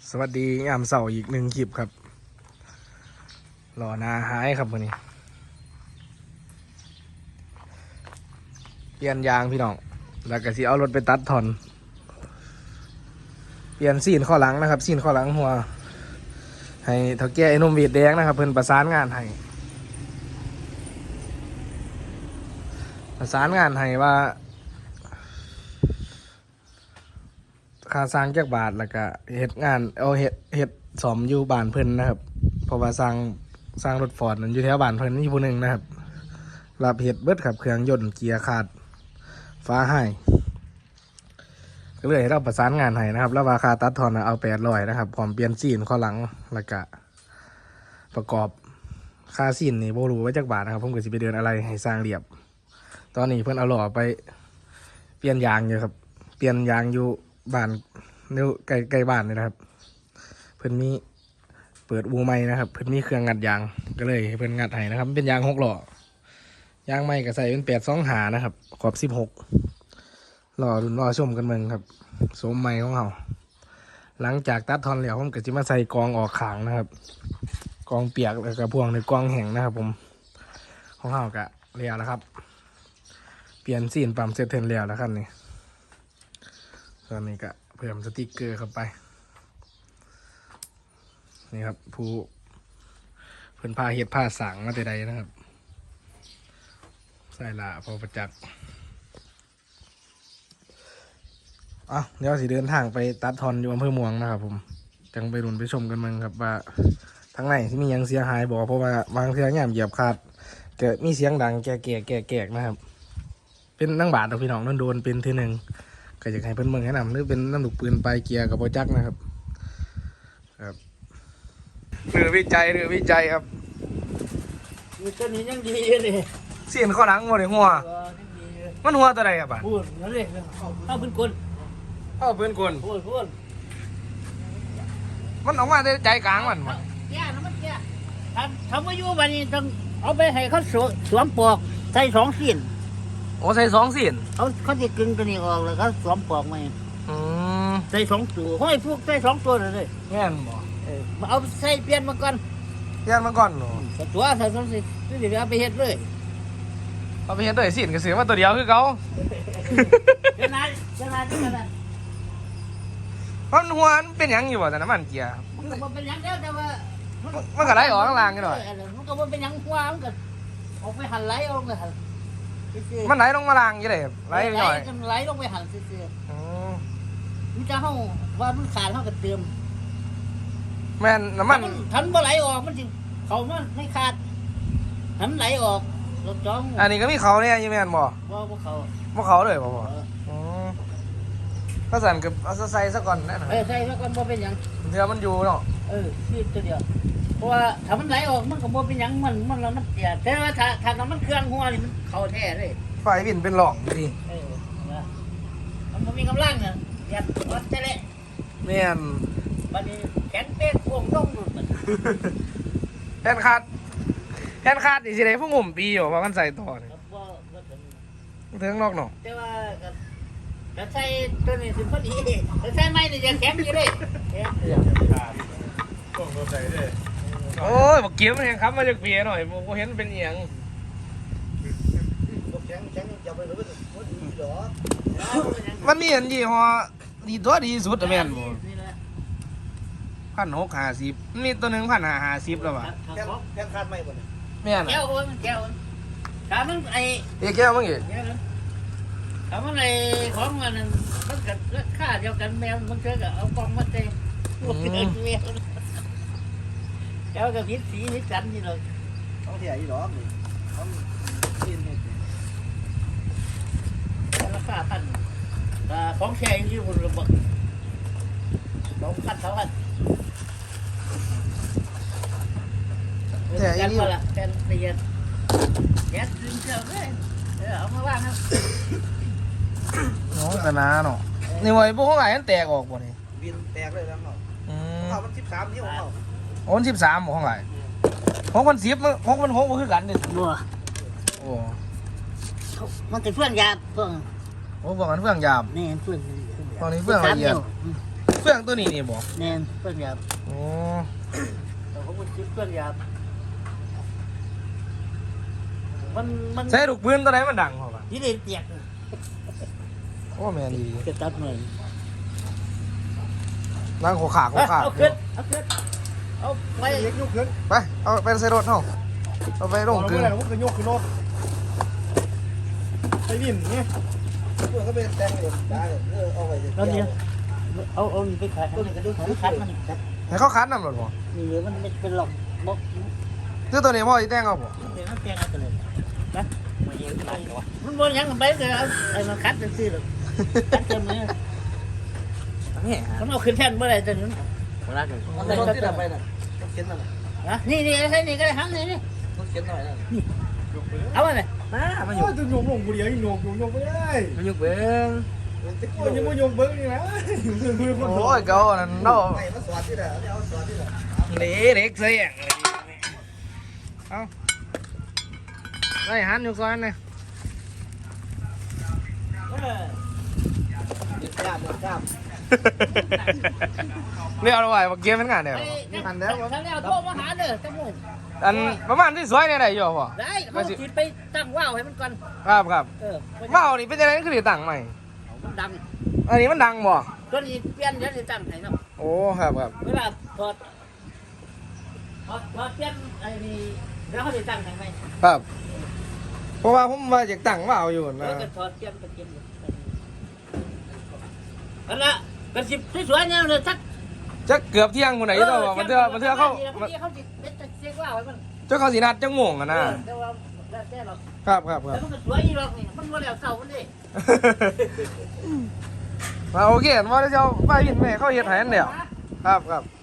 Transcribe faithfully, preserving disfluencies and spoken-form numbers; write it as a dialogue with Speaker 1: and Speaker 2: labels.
Speaker 1: สวัสดียามเสาร์อีกหนึ่งคลิปครับรอนาหายครับวันนี้เปลี่ยนยางพี่น้องแล้วก็สิเอารถไปตัดถอนเปลี่ยนซีนข้อหลังนะครับซีนข้อหลังหัวให้เท่าแก่ไอ้นุ่มวีดแดงนะครับเพิ่นประสานงานให้ประสานงานให้ว่าค่าสร้างแก้บาทแล้วก็เฮ็ดงานเอาเฮ็ดเฮ็ดสอมอยู่บ้านเพิ่นนะครับเพราะว่าสร้างสร้างรถฟอร์ดนั้นอยู่แถวบ้านเพิ่นมีผู้หนึ่งนะครับรับเฮ็ดเบิดครับเครื่องยนต์เกียร์ขาดฟ้าให้ก็เลยให้เราประสานงานให้นะครับแล้วราคาตัดทอนเอาแปดร้อยนะครับพร้อมเปลี่ยนซีนข้อหลังแล้วก็ประกอบค่าซีนนี่บ่รู้ว่าจักบาทนะครับผมก็สิไปเดินอะไรให้สร้างเรียบตอนนี้เพิ่นเอาหล่อไปเปลี่ยนยางอยู่ครับเปลี่ยนยางอยู่บ้านเนื้อใกล้ใกล้บ้านเลยนะครับเพิ่นมีเปิดอูใหม่นะครับเพิ่นมีเครื่องงัดยางก็เลยเพิ่นงัดให้นะครับเป็นยางหกหล่อยางใหม่ก็ใส่เป็นแปดสองหานะครับขอบสิบหกรอรุ่นรอชมกันเมืองครับสมใหม่ของเราหลังจากตัดทอนแล้วผมก็จะมาใส่กองออกขางนะครับกองเปียกแล้วก็พวงในกองแห้งนะครับผมของเราก็เรียวแล้วครับเปลี่ยนซีนปั๊มเซตเทนแล้วแล้วครับนี่ตอนนี้ก็เพิ่มสติกเกอร์เข้าไปนี่ครับผู้เพิ่นพาเห็ดผ้าสังมาแต่ใดนะครับใส่ละพอประจักษ์อ่ะเดี๋ยวสิเดินทางไปตัดทอนอยู่อำเภอเมืองนะครับผมจังไปรุนไปชมกันมึงครับว่าทั้งในที่มียังเสียหายบอกเพราะว่าบางเสียงแง่เหยียบขาดเกิดมีเสียงดังแก่แก่แก่แก่นะครับเป็นนั่งบาดเอาพี่น้องนั่นโดนเป็นทีหนึ่งก็อยากให้เพิ่นเมืองแนะนำหรือเป็นน้ำลูกปืนปลายเกียร์กับโปรจักนะครับครับเรือวิจัยเรือวิจัยครับ
Speaker 2: มีตัวนี้ยังดีเลย
Speaker 1: เสียนข้อหลังหมดเลยหัวมันหัวตัวใดครับบ้าน
Speaker 2: พูดนั่นเลยเอาเป็นคน
Speaker 1: เอาเพื่อนกล
Speaker 2: พูดพูด
Speaker 1: มันออกมาได้ใจกลางมันมัน
Speaker 2: แก่แล้วมันแก่ทำทำมาอยู่บันนี้ต้องเอาไปให้เขาสวมปลอกใส่สองสิ้น
Speaker 1: โอ้ใส่สองเสียน
Speaker 2: เขาเขาจะกึ่งตัวนี้ออกแล้วเขาสวมปลอกมา
Speaker 1: อืม
Speaker 2: ใส่สองตัวห้อยพวกใส่สองตัวเลย
Speaker 1: แง่นบ่
Speaker 2: เออมาเอาใส่เปลี่ยนมาก่อน
Speaker 1: เปลี่ยนมาก่อนเนาะ
Speaker 2: แต่ตัวใส่สองสิ้นนี่เดี๋ยวเอาไปเฮ็ดเลย
Speaker 1: เอาไปเห็นตัวเสียนก็เสียมาตัวเดียวคือเขา
Speaker 2: เดี๋ยวนายเดี๋ยวนายเดี๋ยวนาย
Speaker 1: มันหัวมันเป็นหยังอยู่บ่แต่น้ำมันเกียร์
Speaker 2: มันก็เป็นยังแล้วแต่ว่า
Speaker 1: มันมันก็ไหลออกข้างล่างกันหน่อย
Speaker 2: มันก็เป็นยังกว้างก็ออกไปหันไหลออกไปหัน
Speaker 1: มันไหลลงมาล่างอยู่เลยไหลไปหน่อย
Speaker 2: ไหลลงไปหันซื่อ
Speaker 1: อืม
Speaker 2: ๆมันจะเฮาว่ามันขาดเฮาก็เติม
Speaker 1: แม่นน้ำมัน
Speaker 2: ทันบ่ไหลออกมันสิเขามันไม่ขาดทันไหลออกรถจ้อง
Speaker 1: อันนี้ก็มีเขาเนี่ยอยี่แม่นบ่
Speaker 2: บ่บ่เขา
Speaker 1: บ่เขาเลยบ่บ่
Speaker 2: เออ
Speaker 1: อืมก็สั่นกับเอาใส่ซะก่อนแน่นอน
Speaker 2: เออใส่ซะก่อนบ่เป็นหยัง
Speaker 1: เดี๋ยวมันอยู่เนาะ
Speaker 2: เออนี่ตัวเดียวเพราะว่าถ้ามันไหลออกมันก็บ่เป็นหยังมันมันแล้วมันเสียแต่ว่าถ้าถ้ามันเครื่องหัวนี่มันเข้าแท้เลย
Speaker 1: ไฟวินเป็นหล่องดี
Speaker 2: เออนะมันบ่มีกำลังน่ะยัดวัดแต่ละ
Speaker 1: แม่น
Speaker 2: บัดนี้แขนเป๊กพวงต้องหลุดมัน
Speaker 1: แทนคาดแทนคาดนี่สิได้ผู้งุ่มปีอยู่เพราะมันใส่ต่อนี่
Speaker 2: ครับบ่บ่ถึง
Speaker 1: เทิงนอกเนาะ
Speaker 2: แต่ว่าก็ก็ใส่ตัวนี้ถึงพอดีแต่ใส่ไม้นี่จะแข็งอยู่เลยแข็งอยู่
Speaker 1: โอ้ยบอกเกี้ยวมันยังครับมาจากเปียหน่อยผมเห็นเป็นเอียง
Speaker 2: แข็งแข็งจะไปรู้ว่าดีหรอ
Speaker 1: มันมีอันยี่ห้อดีตัวดีสุดอะแม่นบ่
Speaker 2: นี่แหละ
Speaker 1: พันหกห้าสิบมีตัวหนึ่งพันห้าห้าสิบแล้วว่ะ
Speaker 2: แข็ง
Speaker 3: แค่คาดไม่หมดเลย
Speaker 1: แม่น
Speaker 2: แก้
Speaker 1: อ่ะ
Speaker 2: วโอ้ยมันแก้วถ้ามันไอ้
Speaker 1: เอียแก้วมั้งอีก
Speaker 2: แก้วถ้ามันไอ้ของมันมันก็ราคาเดียวกันแมวมันเจอกับเอากล่องมาเตะพวกเกินแมวแก้วกับพิษสีพิษจันนี่เลย
Speaker 3: ต้องเสียอีหรอนี่ต้องกินเนี่ย
Speaker 2: ราคาพันแต่ของแช่อยู่บนระเบิดสองพันสองพันกันมาละกันเรียนแก๊สดึงเชือกเลยเออเอามาว่างครับ
Speaker 1: น้องกะนาเนาะนี่ไว้พวกเขาไหนมันแตกออกบ่นี่
Speaker 3: บินแตกเลยแล้วเนาะ
Speaker 1: อืม
Speaker 3: เขามันสิบสามที่ของเขา
Speaker 1: โอนสิบสามของไหนของมันสิบของมันหกมันคือกันเด็ด
Speaker 2: บัว
Speaker 1: โอ้
Speaker 2: มันจะเพื่อนยาเพื่อน
Speaker 1: โหบอกกันเฟื่องยาม
Speaker 2: นี่เพื่อน
Speaker 1: ตอนนี้เฟื่องละเอียดเฟื่องตัวนี้นี่บอก
Speaker 2: แน่นเพื่อนหยาบ
Speaker 1: โอ้
Speaker 2: แต่ผมมันคิดเพื่อนหยาบมันมัน
Speaker 1: ใช้ลูกปืนตัวไหนมันดังเหรอปะ
Speaker 2: ยี่เด็ดเตียก
Speaker 1: โอ้แม่นดี
Speaker 2: จะตัดหน่อย
Speaker 1: นั่งโขขาโขขา
Speaker 2: เอาขึ้นเอาขึ้นเอาไป
Speaker 3: เล็กยกขึ้น
Speaker 1: ไปเอาไปใส่รถเฮาเอาไปลงกึ่ง
Speaker 3: แล้วผมก็ยกขึ้นรถไปวิ่งเนี่ยเพื่อนก็ไปแต่งเลยได้เออเอาไป
Speaker 2: แล้วเนี่ยเอาเอานี่ไปขายให้มันคัดมันครับ
Speaker 1: ให้เขาคัดนำรถบ่
Speaker 2: นี่เดี๋ยวมันไม่เป็นหรอกบอก
Speaker 1: ซื้อตัวนี้พ่อสิแต่งเอาบ่
Speaker 2: เดี๋ยวมันแปลงเอาไปเลยนะมันบนยังไปเลยเอาไอ้มันคัดเป็นซี่หรอกคัดเต็มเลย
Speaker 1: นี่
Speaker 2: มันเอาขึ้นแท่นเมื่อไรจนนั้น
Speaker 3: มันได้รถที่ดับไปน่ะรถเข็นน่ะ
Speaker 2: นะนี่นี่ใช่นี่ก็ได้ทั้งนี่นี่
Speaker 3: รถเข็นหน่อยน่ะ
Speaker 2: เอาไปเลย
Speaker 1: มามาอ
Speaker 3: โอ้
Speaker 1: ยู่
Speaker 3: ยจะโยงลงกูเดียวยังโยงโยงโยงไม่ได้
Speaker 1: มาอยู่เบิ่ง
Speaker 3: โอ้ยยังไม่โยงเบิ้งนี่นะมือคน
Speaker 1: โอ้ยเก่านั่นเนาะ
Speaker 3: ไม่มาสอนที่ไหนเอาสอนที่ไหน
Speaker 1: เละเด็กเสียงเลยเอาไล่หันอยู่ก่อนนะ
Speaker 3: ยึดกล้ามยึดกล้าม
Speaker 1: เรียกเอาไว้ว่าเกมเป็นงานเดียว
Speaker 2: ทันแล้วทันแล้วโทรมาหาเด้อจังหวะ
Speaker 1: อันประมาณที่สวยเนี่ยได้อยู่พ่อ
Speaker 2: ได้เขาคิดไปตั้งว่าวให้มันก่อน
Speaker 1: ครับครับ
Speaker 2: เออ
Speaker 1: ว้าวนี่เป็นยังไงคือได้ตังค์ใหม่
Speaker 2: มันดัง
Speaker 1: อันนี้มันดังบ่
Speaker 2: ตัวนี้เปลี่ยนเดี๋ยวจะตั้งให้เนาะ
Speaker 1: โอ้ครับครับ
Speaker 2: เวลาถอดถอดถอดเปลี่ยนไอ้นี่แล้วเขาจะตั้งให้ไหม
Speaker 1: ครับเพราะว่าผมมาจากตังค์ว้าวอยู่
Speaker 2: แล้
Speaker 1: นะ
Speaker 2: วก็ถอดเปลี่ยนก็เปลี่ยนอันละเป็นสิบสวยๆเนี่ยเลยทัก
Speaker 1: จะเกือบเที่ยงคนไหนตัวมันเถื่อมันเถื่อเข้า
Speaker 2: เขาเขาจิเป็นเช็คว่าวไว้มัน
Speaker 1: เจ้าเขาสีนัดจังม่วงอะนะ
Speaker 2: แต่ว่าแล้วแต่เรา
Speaker 1: ครับครับครั
Speaker 2: แต่
Speaker 1: บ
Speaker 2: มันก็สวยอีหรอกนี่มันบ่แล้วเก่ามันดิ
Speaker 1: มาโอเคว่าเจ้าป้ายินแม่เขาเฮ็ดให้อันเดียวครับครับ